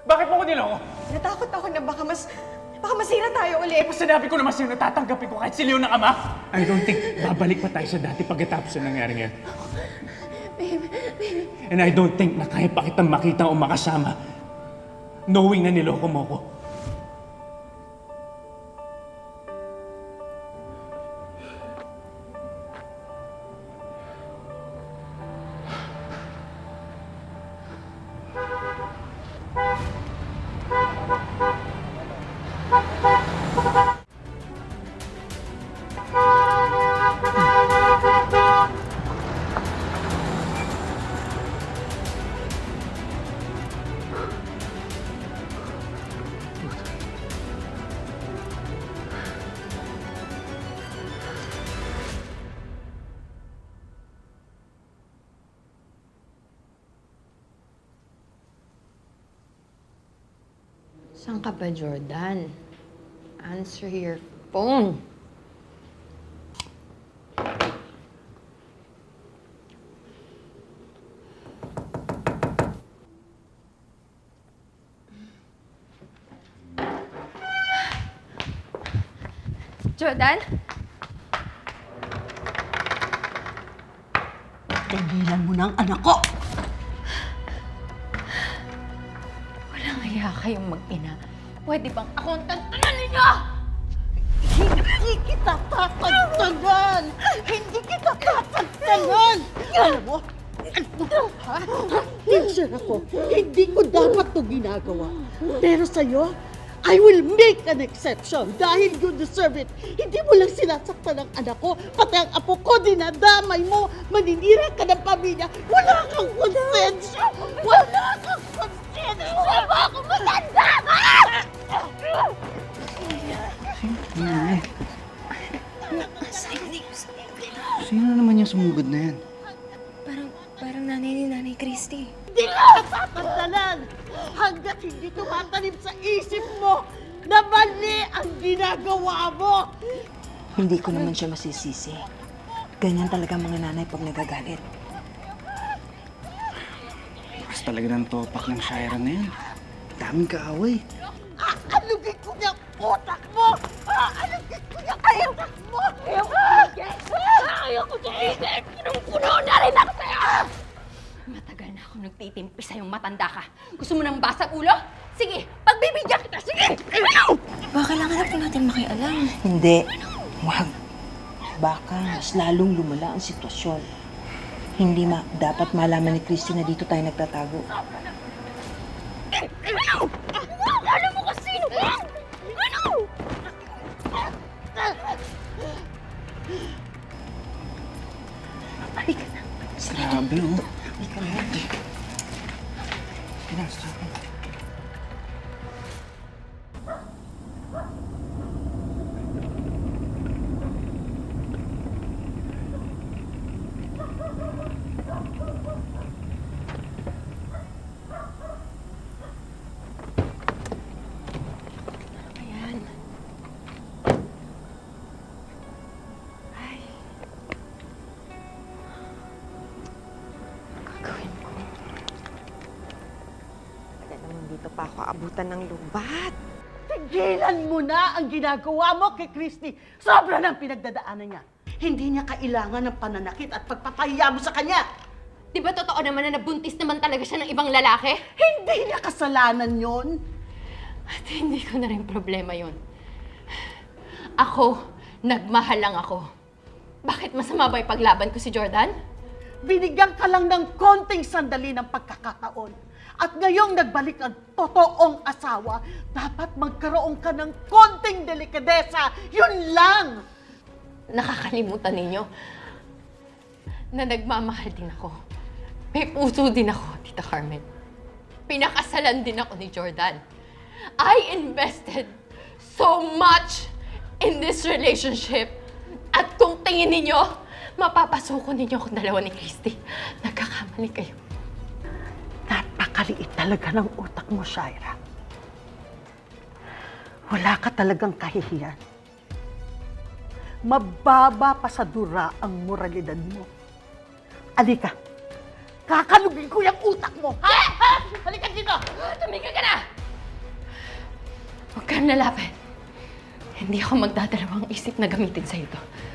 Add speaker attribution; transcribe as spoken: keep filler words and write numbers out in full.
Speaker 1: Bakit mo ko niloko?
Speaker 2: Natakot ako na baka mas... baka masira tayo ulit.
Speaker 1: Kung sinabi ko naman sa'yo na tatanggapin ko kahit siliw ng ama, I don't think babalik pa tayo sa dati pagkatapos na nangyari ngayon.
Speaker 2: Babe, babe.
Speaker 1: And I don't think na kaya pa kitang makita o makasama knowing na niloko mo ko.
Speaker 3: Saan ka ba, Jordan? Answer your phone.
Speaker 2: Jordan?
Speaker 4: Tigilan mo na ang anak ko!
Speaker 3: Walang hiya kayong mag-ina. Pwede bang ako ang tantanan ninyo?
Speaker 4: Hindi kita tatagtagan! Hindi kita tatagtagan! Alam mo, ano ha? Teacher ako. Hindi ko dapat to ginagawa. Pero sa'yo, I will make an exception dahil you deserve it. Hindi mo lang sinasaktan ang anak ko, pati ang apo ko, dinadamay mo, maninira ka ng pamilya. Wala kang konsensya! Wala kang konsensya! Wala akong matanda!
Speaker 5: Sino naman yung sumugod na yan?
Speaker 6: Parang, parang nanay ni Nanay Christy.
Speaker 4: Hindi ka tatandalan hanggat hindi tumatanim sa isip mo na mali ang ginagawa mo.
Speaker 6: Hindi ko naman siya masisisi. Ganyan talaga mga nanay pag nagagalit.
Speaker 5: Mas talaga ng topak ng Shira na yan. Daming kaaway.
Speaker 4: Aalugin ko niya ang utak mo! Aalugin ko niya ang utak mo! Ayaw ko tigil! Ayaw ko tigil! Punong-puno na rin ako sa'yo!
Speaker 3: Matagal na ako nagtitimpi sa'yong matanda ka. Gusto mo ng basag ulo? Sige, pagbibigyan kita! Sige!
Speaker 6: Baka kailangan na po natin makialam. Hindi. Wag. Baka mas lalong lumala ang sitwasyon. Hindi ma dapat malaman ni Christy na dito tayo nagtatago.
Speaker 4: Alam mo kung sino ba? Ano?
Speaker 3: Halika na.
Speaker 5: Grabe, oh.
Speaker 3: Halika na.
Speaker 5: Pinasa.
Speaker 3: Ayan. Ay. Gagawin ko.
Speaker 2: Kaya naman dito pa ako abutan ng lubat.
Speaker 4: Tigilan mo na ang ginagawa mo kay Christy. Sobra ng pinagdadaanan niya. Hindi niya kailangan ng pananakit at pagpapahiya mo sa kanya.
Speaker 3: Di ba totoo naman na nabuntis naman talaga siya ng ibang lalaki?
Speaker 4: Hindi niya kasalanan yon.
Speaker 3: At hindi ko na rin problema yon. Ako, nagmahal lang ako. Bakit masama ba yung paglaban ko si Jordan?
Speaker 4: Binigyan ka lang ng konting sandali ng pagkakataon. At ngayong nagbalik ang totoong asawa, dapat magkaroon ka ng konting delikadesa. Yun lang!
Speaker 3: Nakakalimutan ninyo na nagmamahal din ako. May puso din ako, Tita Carmen. Pinakasalan din ako ni Jordan. I invested so much in this relationship. At kung tingin ninyo, mapapasuko ninyo akong dalawa ni Christy. Nagkakamali kayo.
Speaker 4: Napakaliit talaga ng utak mo, Shira. Wala ka talagang kahihiyan. Mababa pa sa dura ang moralidad mo. Alika, Kakalugin ko yung utak mo, ha? Ha? Halika dito!
Speaker 3: Tumigil ka na! Huwag kang lalapit. Hindi ako magdadalawang isip na gamitin sa ito.